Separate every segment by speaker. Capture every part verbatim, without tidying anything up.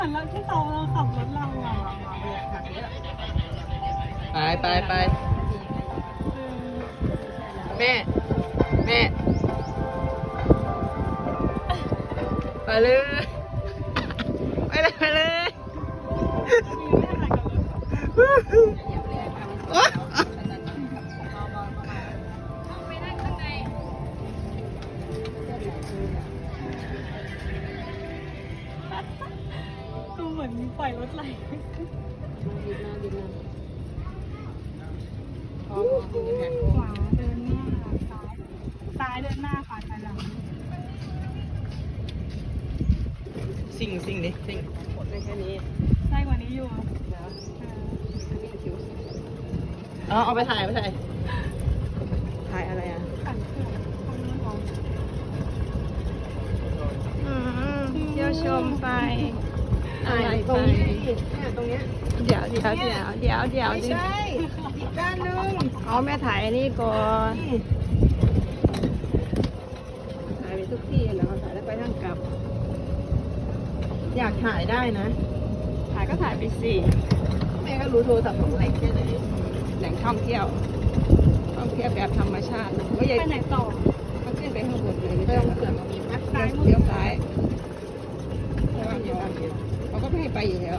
Speaker 1: มือนเราที่เราเราขับรถเราอะ
Speaker 2: ไปไปไปแม่แม่ไปเลยไปเลยไปเลย
Speaker 1: ดูเหมือนปล่อยรถไหลขวาเดินหน้าซ้ายซ้ายเดินหน้าขวาถอยหลัง
Speaker 2: สิ่งสิ่งดิสิ่งหมดได้แค่นี้
Speaker 1: ได้กว่านี้อยู่
Speaker 2: อ๋อเอาไปถ่ายไปถ่ายถ่ายอะไรอ่ะ
Speaker 1: ขันเขื่อนตรงนู้นเหรอ
Speaker 2: อืมเที่ยวชมไปอะไรตรงนี้เนี่ยตรงเนี้ยเดี๋ยวเดี๋ยวเดี๋ยวเดี๋ยวเดี๋ยวไม่ใช่อีกด้านนึงเอาแม่ถ่ายอันนี้ก่อนถ่ายไปทุกที่แล้วถ่ายแล้วไปนั่งกลับ อยากถ่ายได้นะ ถ่ายก็ถ่ายไปสิแม่ก็รู้โทรศัพท์ของแหล่งแค่ไหนแหล่งท่องเที่ยวท่องเที่ยวแบบธรรมชาติก็ยัง
Speaker 1: ไปไหนต่อ
Speaker 2: ก็ขึ้นไปข้างบนเลยไม่ต้องเสือกมีมัดซ้ายเลี้ยวซ้ายเพราะว่าเดี๋ยวเขาก็ไม่ให้ไปอยู่แล้ว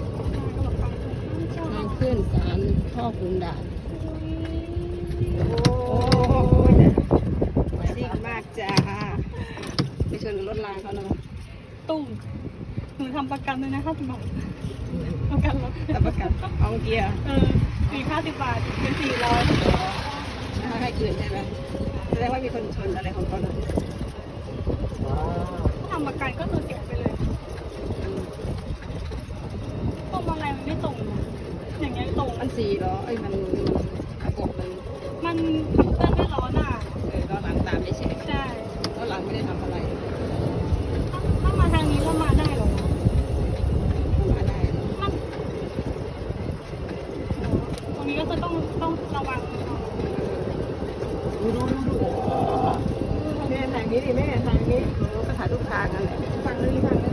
Speaker 2: ทางขึ้นศาลพ่อขุนด่านโอ้ยซิ่งมากจ้าไปชนรถรางเขาเนาะ
Speaker 1: ตุ้มหนูทำประกันเลยนะห้าสิบบาทประกันรถ
Speaker 2: แต่ประกันเอาเกียร์
Speaker 1: เออสี่ห้าสิบบาทเป็นสี่ร้อย
Speaker 2: ถ้าให้คืนใช่ไหมแสดงว่ามีคนชนอะไรของเขาเนาะ
Speaker 1: ทำประกันก็คือเสียไปเลยพวกอะไรมันไม่ตรงนะอย่างเงี้ยตรง
Speaker 2: มันสี่ล้อเอ้ยมันระบบมัน
Speaker 1: มันขับเคลื่อนด้วยล้อหน้า
Speaker 2: เออล้อหลังตามไม่ใช่
Speaker 1: ใช่
Speaker 2: ล้อหลังไม่ได้ทำอะไร
Speaker 1: ถ้ามาทางนี้ก็มาได้หรอ
Speaker 2: มาได้
Speaker 1: มันตรงนี้ก็จะต้องต้องระวัง
Speaker 2: ดูดูดูดูแม่ถ่ายนี้ดิแม่ถ่ายนี้ก็ถ่ายทุกทางนั่นแหละฟังเลยฟังเลย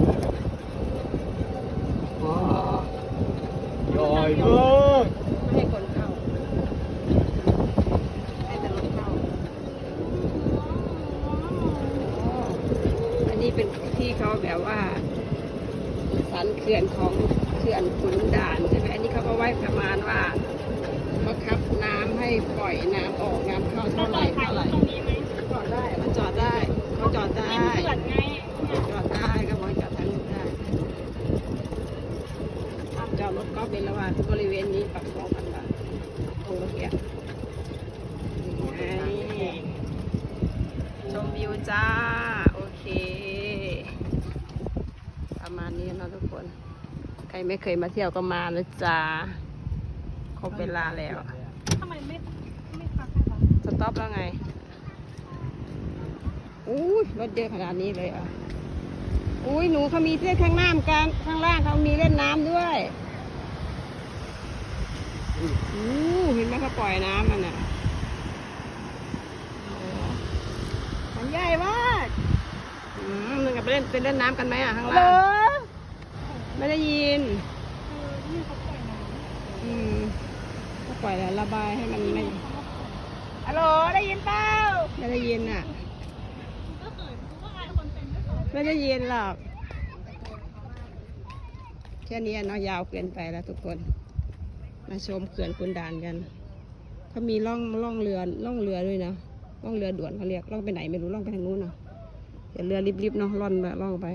Speaker 2: ว้าวใหญ่มากไม่ให้คนเข้าให้แต่รถเข้าอันนี้เป็นที่เขาแบบว่าสันเขื่อนของเขื่อนขุนด่านใช่ไหมอันนี้เขาก็ไว้ประมาณว่าบังคับน้ำให้ปล่อยน้ำออกน้ำเข้า
Speaker 1: เรา
Speaker 2: เท่าไห
Speaker 1: ต่
Speaker 2: ร่
Speaker 1: อยถ่าย
Speaker 2: เท่าไหร่
Speaker 1: ตรงนี้ไหม
Speaker 2: จอดได้มันจอดได้เขาจอดได้
Speaker 1: ไม่เขื่อนไง
Speaker 2: จอดได้ก็บอกจอดทางนู้นได้จอดรถก็เป็นระหว่างบริเวณนี้ปรับสองพันบาทตรงเมื่อกี้นี่ไงชมวิวจ้าโอเคประมาณนี้เนาะทุกคนใครไม่เคยมาเที่ยวก็มานะจ้าครบเวลาแล้ว
Speaker 1: ทำไมไม่ไม่พักให้เรา
Speaker 2: สต็อปแล้วไงอุ้ยรถเยอะขนาดนี้เลยอ่ะอุ้ยหนูเขามีเล่นข้างน้ำกันข้างล่างเขามีเล่นน้ำด้วยอู้เห็นไหมเขาปล่อยน้ำมันอ่ะมันใหญ่มากอืมมึงกับไปเล่นไปเล่นน้ำกันไหมอ่ะข้างล่างไม่ได้ยิน
Speaker 1: เออนี่เขาปล่อยน้ำ
Speaker 2: อืมก็ปล่อยแล้วระบายให้มันไม่
Speaker 1: ฮัลโหลได้ยินเปล่า
Speaker 2: ไม่ได้ยินอ่ะ
Speaker 1: ก็เขินก็อายคนเป็นไม่เขิน
Speaker 2: ไม่ได้ยินหรอกแค่นี้เนาะยาวเกินไปแล้วทุกคนมาชมเขื่อนขุนด่านกันเขามีล่องล่องเรือล่องเรือด้วยนะล่องเรือด่วนเขาเรียกล่องไปไหนไม่รู้ล่องไปทางนู้นเนาะเดี๋ยวเรือริบๆเนาะล่อนไปล่องไป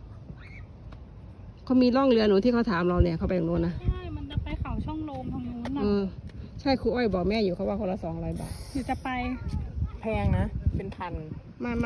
Speaker 2: เขามีล่องเรือหนูที่เขาถามเราเนี่ยเขาไปทางนู้นนะ
Speaker 1: ใช่ มันจะไปเขาช่องโลมทางนู้น
Speaker 2: เอ
Speaker 1: น่ะ
Speaker 2: อใช่ครูอ้อยบอกแม่อยู่เขาว่าคนละสองร้อยบาท
Speaker 1: หรือจะไป
Speaker 3: แพงนะ เป็นพัน
Speaker 2: มา